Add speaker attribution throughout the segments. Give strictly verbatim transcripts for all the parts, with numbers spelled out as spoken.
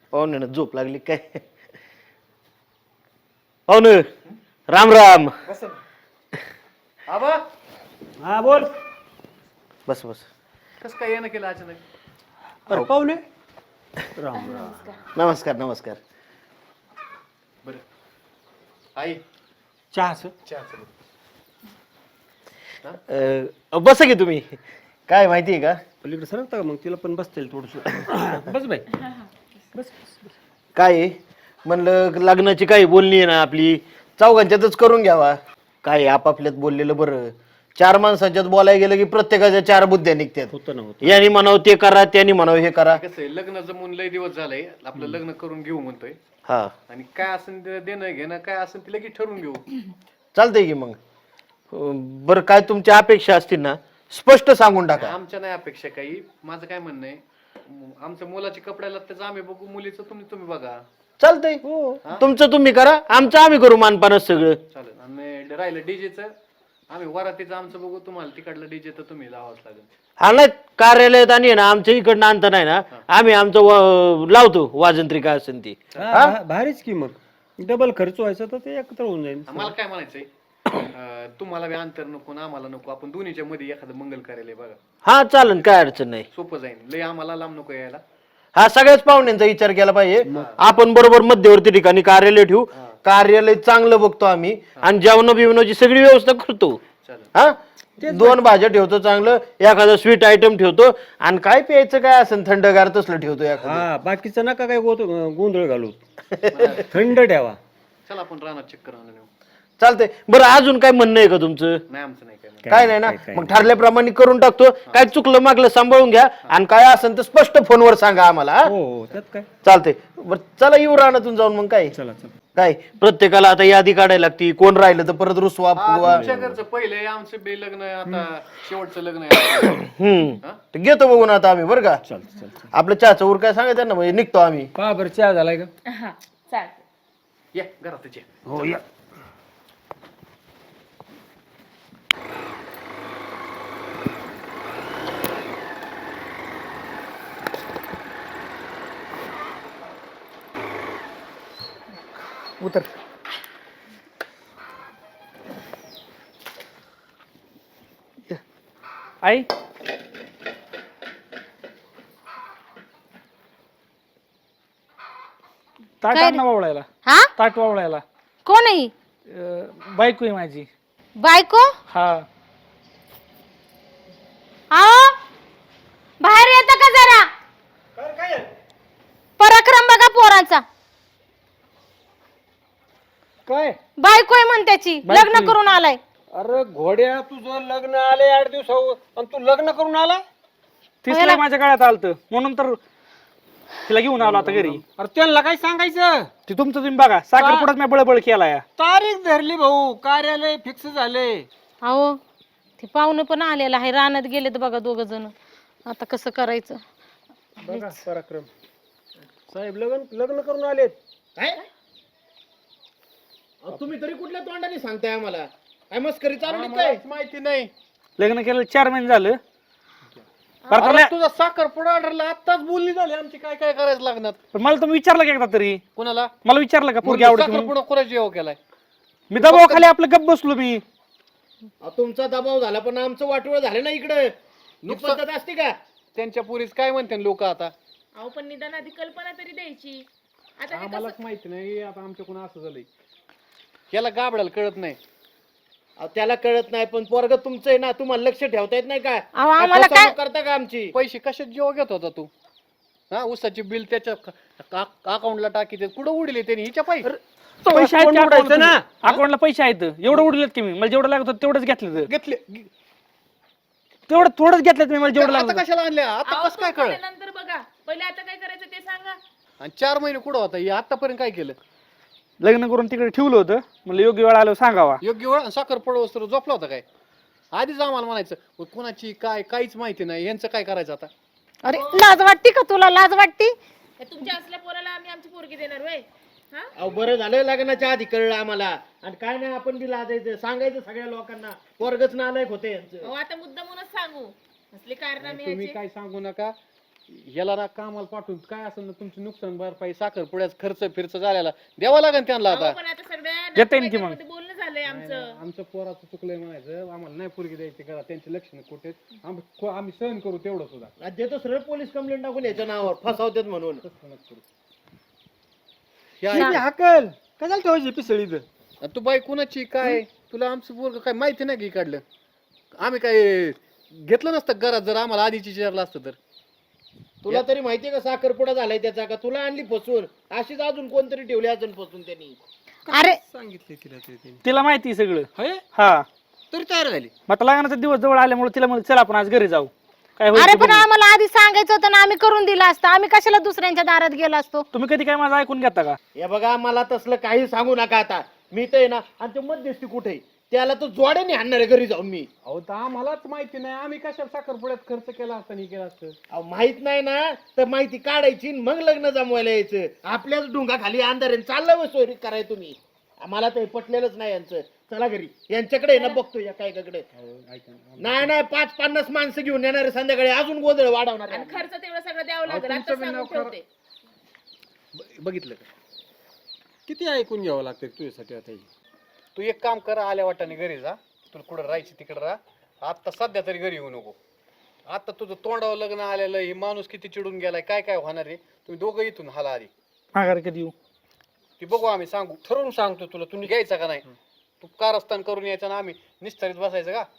Speaker 1: पाहुणे झोप लागली काय? पाहुणे राम राम.
Speaker 2: आबा
Speaker 3: हा बोल.
Speaker 1: बस बस.
Speaker 2: कस काय येणं केलं अचानक?
Speaker 3: अरे पाहुणे राम राम.
Speaker 1: नमस्कार नमस्कार.
Speaker 2: बर आई
Speaker 3: चहाच
Speaker 2: चहा चल.
Speaker 1: अं, बसा की तुम्ही. काय माहिती आहे का?
Speaker 3: पलीकडे सरकता का मग तिला पण बसता येईल थोडस. बस बाई बस.
Speaker 1: काय आहे? म्हणलं लग्नाची काही बोलणी आहे ना आपली, चौघांच्यातच करून घ्यावा. काय आपापल्यात बोललेलं बरं. चार माणसांच्यात बोलायला गेलं की प्रत्येकाच्या चार बुद्ध्या निघतात.
Speaker 3: होतं ना होत.
Speaker 1: यांनी म्हणावं ते करा, त्यांनी म्हणावं हे करा.
Speaker 2: कसं आहे लग्न जमून लय दिवस झालंय, आपलं लग्न करून घेऊ म्हणतोय.
Speaker 1: हा
Speaker 2: आणि काय असेल ते देणं घेणं काय असेल ते लगेच ठरवून घेऊ.
Speaker 1: चालतंय की मग. अं, बरं काय तुमच्या अपेक्षा असतील ना स्पष्ट सांगून टाका.
Speaker 2: आमच्या नाही अपेक्षा काही. माझं काय म्हणणं आहे, म- आमच्या मुलाची कपड्याला त्याचं आम्ही बघू, मुलीचं तुम्ही तुम्ही बघा.
Speaker 1: चालतंय तुमचं तुम्ही करा, आमचं आम्ही करू मानपानच सगळं.
Speaker 2: चालेल. आणि राहिलं डीजेचं, आम्ही वरातीचं आमचं बघू, तुम्हाला तिकडलं डीजे तर तुम्ही लावाच लागेल.
Speaker 1: हा नाही कार्यालयात आणि आहे ना आमच्या इकडनं आणता नाही ना, आम्ही आमचं व- लावतो वाजंत्री काय असेल ती.
Speaker 3: हा, भारीच की मग डबल खर्च व्हायचा तर ते एकत्र होऊन जाईल.
Speaker 2: मला काय म्हणायचंय, अं, तुम्हाला बी अंतर नको ना आम्हाला नको, आपण दोन्हीच्या मध्ये एखादं मंगल कार्यालय बघा,
Speaker 1: हा चालन काय अडचण नाही.
Speaker 2: सोपं जाईल. लय आम्हाला लांब नको यायला.
Speaker 1: हा सगळ्याच पाहुण्यांचा विचार केला पाहिजे. आपण बरोबर मध्यवर्ती ठिकाणी कार्यालय ठेवू. कार्यालय चांगलं बघतो आम्ही आणि जेवण बिवणाची सगळी व्यवस्था करतो.
Speaker 2: चालेल.
Speaker 1: हा दोन भाज्या ठेवतो चांगलं, एखादं स्वीट आयटम ठेवतो आणि काय प्यायचं काय असेल थंडगार तसलं ठेवतो एखादं.
Speaker 3: हा बाकीचं नका काय गोत गोंधळ घालू. थंड ठेवा.
Speaker 2: चला आपण रानात चक्कर आणून येऊ.
Speaker 1: चालतंय. बरं अजून काय म्हणणं आहे का तुमचं?
Speaker 2: नाही आमचं नाही काय.
Speaker 1: काय नाही ना, मग ठरल्याप्रमाणे करून टाकतो. काय चुकलं मागलं सांभाळून घ्या आणि काय असेल तर स्पष्ट फोनवर सांगा आम्हाला. हा?
Speaker 3: हो हो त्यात काय.
Speaker 1: चालतंय. बरं चला येऊ रानातून जाऊन मग काय
Speaker 3: चला चला.
Speaker 1: काय प्रत्येकाला आता यादी काढायला लागती. कोण राहिलं तर परत रुसवा फुगवा.
Speaker 2: तुमच्या घरचं पहिले, आमचं बी लग्न आहे, आता शेवटचं लग्न आहे.
Speaker 1: हम्म ते घेतो बघून आता आम्ही बरं का.
Speaker 3: चालतं चालतं.
Speaker 1: आपलं चहाचं उर काय सांगायचं ना, म्हणजे निघतो आम्ही.
Speaker 3: पहा बरं चहा झालाय का?
Speaker 4: हा चालतंय.
Speaker 2: या घरात ये.
Speaker 3: हो या.
Speaker 1: उतर.
Speaker 5: आई ताट
Speaker 4: काय
Speaker 5: आण
Speaker 4: रे?
Speaker 5: ना वावळायला.
Speaker 4: हा
Speaker 5: ताट वावळायला.
Speaker 4: कोण आहे?
Speaker 5: अं, बायको आहे माझी.
Speaker 4: बायको?
Speaker 5: हा
Speaker 4: आओ बाहेर येता का जरा? पराक्रम बघा पोरांचा.
Speaker 3: काय
Speaker 4: बायको आहे म्हण त्याची,
Speaker 5: बायको
Speaker 4: लग्न
Speaker 5: आहे.
Speaker 4: करून आलाय.
Speaker 3: अरे घोड्या तुझं लग्न आले आठ दिवसावर आणि तू लग्न करून आला.
Speaker 5: तीच लय माझ्या गळ्यात आलत म्हणून तर तिला घेऊन आलो आता घरी.
Speaker 3: अरे त्यांना काय सांगायचं.
Speaker 5: ते तुमचं तुम्ही बघा. साखरपुड्यात मी बळबळ केलाय.
Speaker 3: तारीख धरली भाऊ, कार्यालय फिक्स झाले.
Speaker 4: अहो ते पाहुणे पण आलेला आहे, रानात गेलेत बघा दोघ जण. आता कसं करायचं?
Speaker 3: बघा पराक्रम साहेब लग्न लग्न करून आलेत.
Speaker 1: काय तुम्ही तरी कुठल्या तोंडाने सांगताय आम्हाला? काय मस्करी चालू आहे काय?
Speaker 2: माहिती नाही.
Speaker 5: लग्न केलं चार महिने झालं.
Speaker 2: अरे तुझा साखरपुडा ऑर्डरला आत्ताच बोलणी झाली आमची, काय काय करायचं लागणार.
Speaker 5: पण मला तुम्ही विचारलं का एकदा तरी?
Speaker 2: कुणाला?
Speaker 5: मला विचारलं का पोरगी आवडते म्हणून?
Speaker 2: साखरपुडा कोणाची जेव्हा केलाय?
Speaker 5: मी दबावाखाली आपलं गप बसलो मी.
Speaker 1: अहो, तुमचा दबाव झाला पण आमचं वाटोळ झालं ना इकडं. ही पद्धत असते का?
Speaker 2: त्यांच्या पुरीस काय म्हणते लोक आता?
Speaker 4: अहो पण निदान आधी कल्पना तरी द्यायची. आता हे
Speaker 2: आम्हालाच माहिती नाही आता आमच्या कोण असं झालंय. याला गाबडाला कळत नाही.
Speaker 1: अहो, त्याला कळत नाही पण पोरग तुमचं आहे ना, तुम्हाला लक्ष ठेवता येत नाही का?
Speaker 4: अहो, आम्हाला
Speaker 1: फसवणूक
Speaker 4: काय-
Speaker 1: करता का आमची?
Speaker 2: पैसे कशात जेव्हा घेत होता तू? हा उसाची बिल त्याच्या अकाउंटला टाकी कुठं उडले त्यांनी हिच्या पायी?
Speaker 5: पैसे आहेत
Speaker 3: कोण उडायचं ना?
Speaker 5: अकाउंटला पैसे आहेत. एवढं उडलेत की मी. मला जेवढं लागत होतं तेवढंच घेतलं.
Speaker 2: घेतले.
Speaker 5: तेवढं थोडंच घेतलं मी. मला जेवढं
Speaker 2: आता
Speaker 5: लागत
Speaker 2: कशाला आणल्या? आता कसं काय कळ?
Speaker 4: नंतर बघा, पहिले आता काय करायचं ते सांगा.
Speaker 2: आणि चार महिने कुठं होता? हे आतापर्यंत काय केलं?
Speaker 5: लग्न करून तिकडे ठेवलं होतं. म्हणलं योग्य वेळ आल्यावर सांगावा.
Speaker 2: योग्य वेळ साखर पडवस तर झोपला होता काय? आधीच आम्हाला म्हणायचं मग कुणाची काय काहीच माहिती नाही, यांचं काय करायचं आता?
Speaker 4: अरे लाज वाटते का तुला? लाज वाटते? तुमच्या असल्या पोराला आम्ही आमची पोरगी देणार वय?
Speaker 1: अहो बरं झालं लग्नाच्या आधी कळलं आम्हाला. आणि काय नाही आपण बी लाजायचं, सांगायचं सगळ्या लोकांना. पोरगच नालायक होते यांचं.
Speaker 4: आता मुद्दा म्हणून सांगू असले कारनामे
Speaker 2: तुम्ही काय सांगू नका. याला ना कामाला पाठवून काय असेल ना तुमची नुकसान भरपाई साखर पुढ्याच खर्च फिरच झालेला द्यावा लागेल त्यांना आता.
Speaker 6: पण आता सगळ्या
Speaker 5: देता येईल की मग.
Speaker 6: नातेवाईकांमध्ये बोलणं झालंय आमचं.
Speaker 2: आमचं पोराचं चुकलंय म्हणायचं आम्हाला नाही पोरगी द्यायची करा त्यांचे लक्षण कुठे आम्ही को- आम्ही सहन करू तेवढं सुद्धा.
Speaker 1: आज देतो सरळ पोलीस कंप्लेंट टाकून याच्या नावावर फसावतात म्हणून.
Speaker 2: तसं नका करू.
Speaker 3: किती हाकल काय झालं ठेवायची पिसळी इथं?
Speaker 2: आणि तू बाई कुणाची काय तुला आमचं पोरग काय माहिती नाही की काढलं आम्ही काय घेतलं नसतं घरात जर आम्हाला आधीची विचारलं असतं तर.
Speaker 1: तुला तरी माहितीये का साखरपुडा झालाय त्याचा का तुला आणली फसून अशीच अजून कोणतरी ठेवली अजून फसून त्यांनी.
Speaker 4: अरे
Speaker 3: सांगितले तिला ते तिने.
Speaker 5: तिला माहिती आहे सगळं.
Speaker 2: होय
Speaker 5: हा
Speaker 2: तरी तयार झाली.
Speaker 5: मग आता लग्नाचा दिवस जवळ आल्यामुळे तिला म्हणलं चला आपण आज घरी जाऊ. काय होईल
Speaker 4: अरे
Speaker 5: ते
Speaker 4: पण
Speaker 5: बघू.
Speaker 4: आम्हाला आधी सांगायचं होतं ना, आम्ही करून दिलं असतं. आम्ही कशाला दुसऱ्यांच्या दारात गेलो असतो?
Speaker 5: तुम्ही कधी काय माझं ऐकून घेता का?
Speaker 1: हे बघा मला तसलं काही सांगू नका आता. मी तर आहे ना आणि ते मध्यस्थी कुठे त्याला तर जोड्याने आणणार आहे घरी जाऊन मी.
Speaker 2: अहो तर आम्हालाच माहिती नाही आम्ही कशाला साखरपुड्यात खर्च केला असता नाही केला असतं.
Speaker 1: अहो माहित नाही ना तर माहिती काढायची आणि मग लग्न जमवायला यायचं. आपल्याच डोंगा खाली अंधार आहे. चाललं व सोयरी कराय तुम्ही. मला तर हे पटलेलंच नाही यांचं. चला घरी यांच्याकडे आहे ना बघतो या काय कडे. नाही नाही पाच पन्नास माणसं घेऊन येणार आहे संध्याकाळी अजून गोंधळ वाढवणार आहे.
Speaker 6: आणि खर्च तेवढं सगळं द्यावं
Speaker 2: अहो,
Speaker 6: लागेल आता
Speaker 2: तुमचं बी
Speaker 6: सांगून
Speaker 2: नाव खरं-
Speaker 6: ठेवते.
Speaker 2: ब- बघितलं का किती ऐकून घ्यावं लागतं तुझ्यासाठी आता हे. तू एक काम कर आल्या वाटाने घरी जा तुला कुठं राहायची तिकडं राहा आता सध्या तरी घरी येऊ नको. आता तुझं तोंडावर लग्न आलेलं हे माणूस किती चिडून गेलाय काय काय होणार आहे तुम्ही दोघं इथून हाला आधी
Speaker 5: माघारी कधी येऊ?
Speaker 2: ती बघू आम्ही सांगू ठरवून सांगतो तुला तुम्ही घ्यायचा का नाही. तू कारस्थान करून यायचं ना आम्ही निस्तारीत बसायचं का.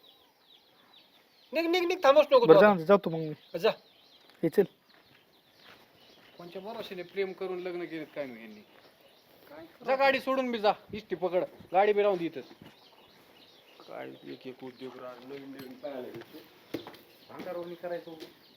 Speaker 2: निघ निघ निघ थांबूच नको
Speaker 5: बरं
Speaker 2: तू
Speaker 5: जाऊ जातो मग मी.
Speaker 2: आता. जा
Speaker 5: हे चल.
Speaker 2: कोणच्या भरोशाने प्रेम करून लग्न केलं काय मी यांनी. जा गाडी सोडून बी जा इष्टी पकड गाडी बी राहून इथंच.
Speaker 3: काय एक एक उद्योग राहिला, नवीन नवीन पाहायला भेटतो.
Speaker 2: अंगारवणी करायचं